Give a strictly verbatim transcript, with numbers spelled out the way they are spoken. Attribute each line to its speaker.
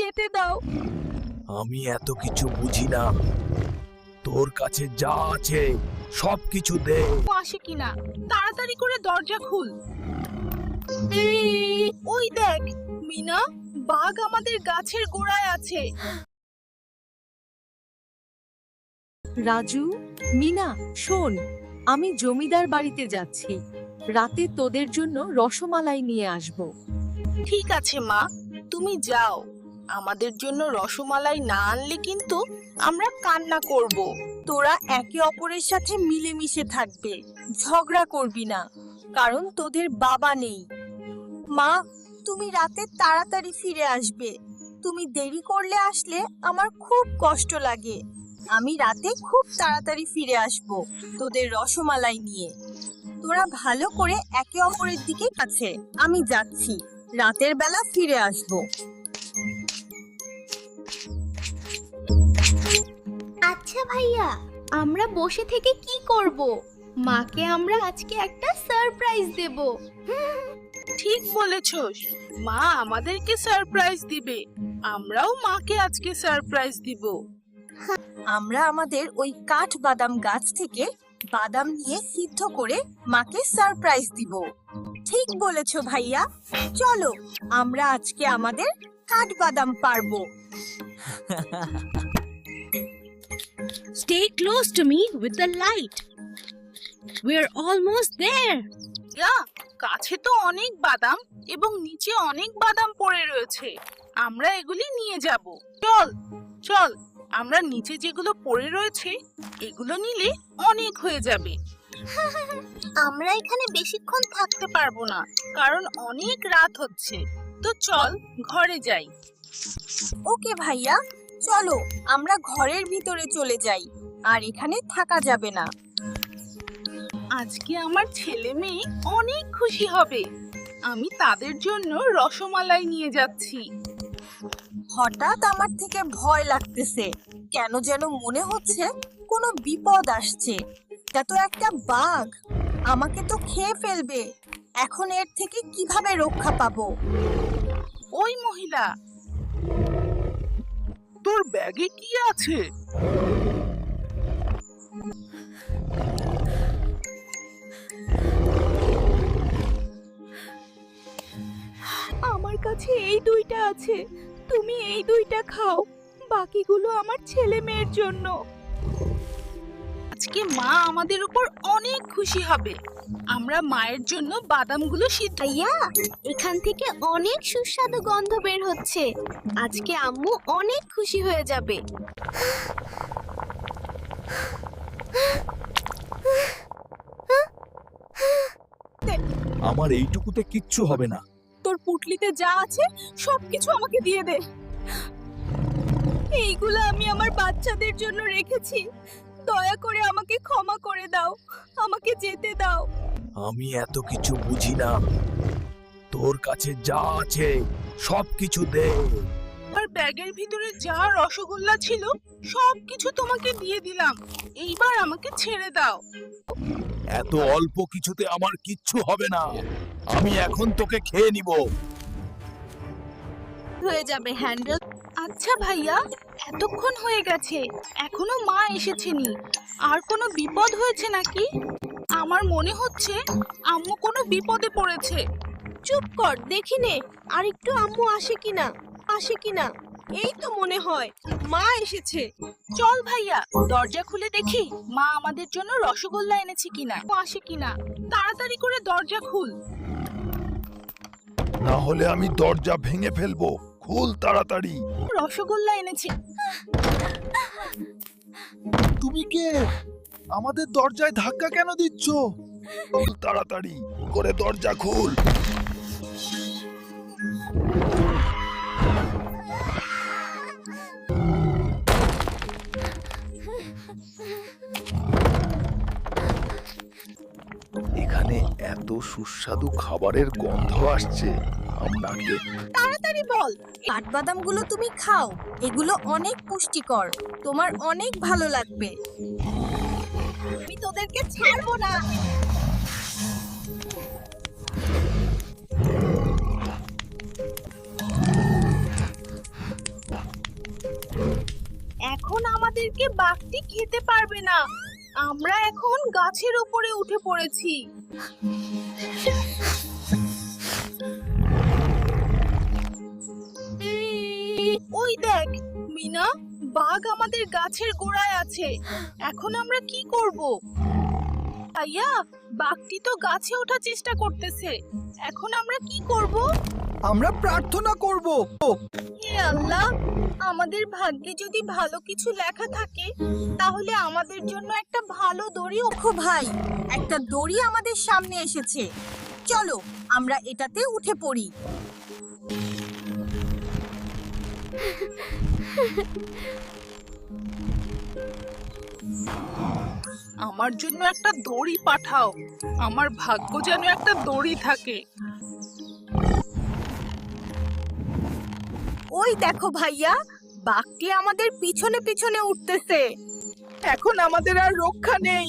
Speaker 1: যেতে দাও।
Speaker 2: আমি এত কিছু বুঝি না, তোর কাছে যা আছে সব কিছু দে।
Speaker 1: আসে কিনা তাড়াতাড়ি করে দরজা খুল। ওই দেখ মিনা, বাঘ আমাদের গাছের গোড়ায় আছে।
Speaker 3: রাজু, মিনা, শোন, আমি জমিদার বাড়িতে যাচ্ছি। রাতে তোদের জন্য রসমালাই নিয়ে আসব।
Speaker 1: ঠিক আছে মা, তুমি যাও। আমাদের জন্য রসমালাই না আনলে কিন্তু আমরা কান্না করব। তোরা একে অপরের সাথে মিলেমিশে থাকবে, ঝগড়া করবি না, কারণ তোদের বাবা নেই। মা, তুমি রাতে তাড়াতাড়ি ফিরে আসবে। তুমি দেরি করলে আসলে আমার খুব কষ্ট লাগে। আমি রাতে খুব তাড়াতাড়ি ফিরে আসব তোদের রসমালাই নিয়ে। তোরা ভালো করে একে অপরের দিকে কাছে। আমি যাচ্ছি, রাতের বেলা ফিরে আসব।
Speaker 4: আচ্ছা ভাইয়া, আমরা বসে থেকে কি করব? মাকে আমরা আজকে একটা সারপ্রাইজ দেব।
Speaker 1: ঠিক বলেছস, মা আমাদেরকে সারপ্রাইজ দিবে, আমরাও মাকে আজকে সারপ্রাইজ দিব। আমরা আমাদের ওই কাঠ বাদাম গাছ থেকে বাদাম নিয়ে সিদ্ধ করে মাকে সারপ্রাইজ দিব। ঠিক বলেছো ভাইয়া, চলো আমরা আজকে আমাদের কাঠ বাদাম পারবো।
Speaker 5: Stay close to me with the light. We're almost there.
Speaker 1: ইয়া, কাছে তো অনেক বাদাম এবং নিচে অনেক বাদাম পড়ে রয়েছে, আমরা এগুলি নিয়ে যাব। চল চল, আমরা নিচে যেগুলো পড়ে রয়েছে এগুলো নিলে অনেক হয়ে যাবে।
Speaker 4: আমরা এখানে বেশিক্ষণ
Speaker 1: থাকতে পারবো না, কারণ অনেক রাত হচ্ছে। তো চল ঘরে যাই। ওকে ভাইয়া, চলো আমরা ঘরের ভিতরে চলে যাই, আর এখানে থাকা যাবে না। আজকে আমার ছেলে মেয়ে অনেক খুশি হবে, আমি তাদের জন্য রসমালাই নিয়ে যাচ্ছি। হঠাৎ আমার থেকে ভয় লাগতেছে, কেন যেন মনে হচ্ছে কোনো বিপদ আসছে। তা তো একটা বাঘ, আমাকে তো খেয়ে ফেলবে। এখন এর থেকে কিভাবে রক্ষা পাবো? ওই মহিলা,
Speaker 2: তোর ব্যাগে কি আছে?
Speaker 1: আমার কাছে এই দুইটা আছে, তুমি এই দুইটা খাও, বাকিগুলো আমার ছেলে মেয়ের জন্য। আজকে মা আমাদের উপর অনেক খুশি হবে, আমরা মায়ের জন্য বাদামগুলো সিদ্ধ।
Speaker 4: ভাইয়া, এখান থেকে অনেক সুস্বাদু গন্ধ বের হচ্ছে। আজকে আম্মু অনেক খুশি হয়ে যাবে।
Speaker 2: আমার এইটুকুতে কিচ্ছু হবে না।
Speaker 1: তোর পুটলিতে যা আছে সবকিছু আমাকে দিয়ে দে। এইগুলো আমি আমার বাচ্চাদের জন্য রেখেছি, দয়া করে আমাকে ক্ষমা করে দাও, আমাকে যেতে দাও।
Speaker 2: আমি এত কিছু বুঝি না, তোর কাছে যা আছে সব কিছু দে।
Speaker 1: আর ব্যাগের ভিতরে যা রসগোল্লা ছিল সবকিছু তোমাকে দিয়ে দিলাম, এইবার আমাকে ছেড়ে দাও।
Speaker 2: এত অল্প কিছুতে আমার কিচ্ছু হবে না, আমি এখন তোকে খেয়ে নিব।
Speaker 1: হয়ে যাবে হ্যান্ডেল। আচ্ছা ভাইয়া, এতক্ষণ হয়ে গেছে, এখনো মা এসেছেনি। আর কোনো বিপদ হয়েছে নাকি? আমার মনে হচ্ছে আম্মু কোনো বিপদে পড়েছে। চুপ কর, দেখি নে আর একটু আম্মু আসে কিনা আসে কিনা এই তো মনে হয় মা এসেছে। চল ভাইয়া, দরজা খুলে দেখি মা আমাদের জন্য রসগোল্লা এনেছে কিনা, আসে কিনা। তাড়াতাড়ি করে দরজা খুল।
Speaker 2: না হলে আমি দরজা ভেঙে ফেলবো, খুল তাড়াতাড়ি।
Speaker 1: রসগোল্লা এনেছে।
Speaker 2: তুমি কে? আমাদের দরজায় ধাক্কা কেন দিচ্ছ? খুল তাড়াতাড়ি করে দরজা খুল। এখানে এত সুস্বাদু খাবারের গন্ধ আসছে, আপনাকে
Speaker 1: তাড়াতাড়ি বল, কাঠবাদামগুলো তুমি খাও, এগুলো অনেক পুষ্টিকর, তোমার অনেক ভালো লাগবে। আমি তোদেরকে ছাড়বো না। আমাদেরকে বাঘটি খেতে পারবে না। আমরা এখন গাছের উপরে উঠে পড়েছি। ওই দেখ মিনা, বাঘ আমাদের গাছের গোড়ায় আছে। এখন আমরা কি করব? ভাইয়া, বাঘটি তো গাছে ওঠার চেষ্টা করতেছে। এখন আমরা কি করব?
Speaker 2: আমরা প্রার্থনা করব।
Speaker 1: হে আল্লাহ, আমাদের ভাগ্যে যদি ভালো কিছু লেখা থাকে তাহলে আমাদের জন্য একটা ভালো দড়ি। ওখো ভাই, একটা দড়ি আমাদের সামনে এসেছে। চলো আমরা এটাতে উঠে পড়ি। আমার জন্য একটা দড়ি পাঠাও। আমার ভাগ্য যেন একটা দড়ি থাকে। ওই দেখো ভাইয়া, বাঘটি আমাদের পিছনে পিছনে উঠতেছে। এখন আমাদের আর রক্ষা নেই।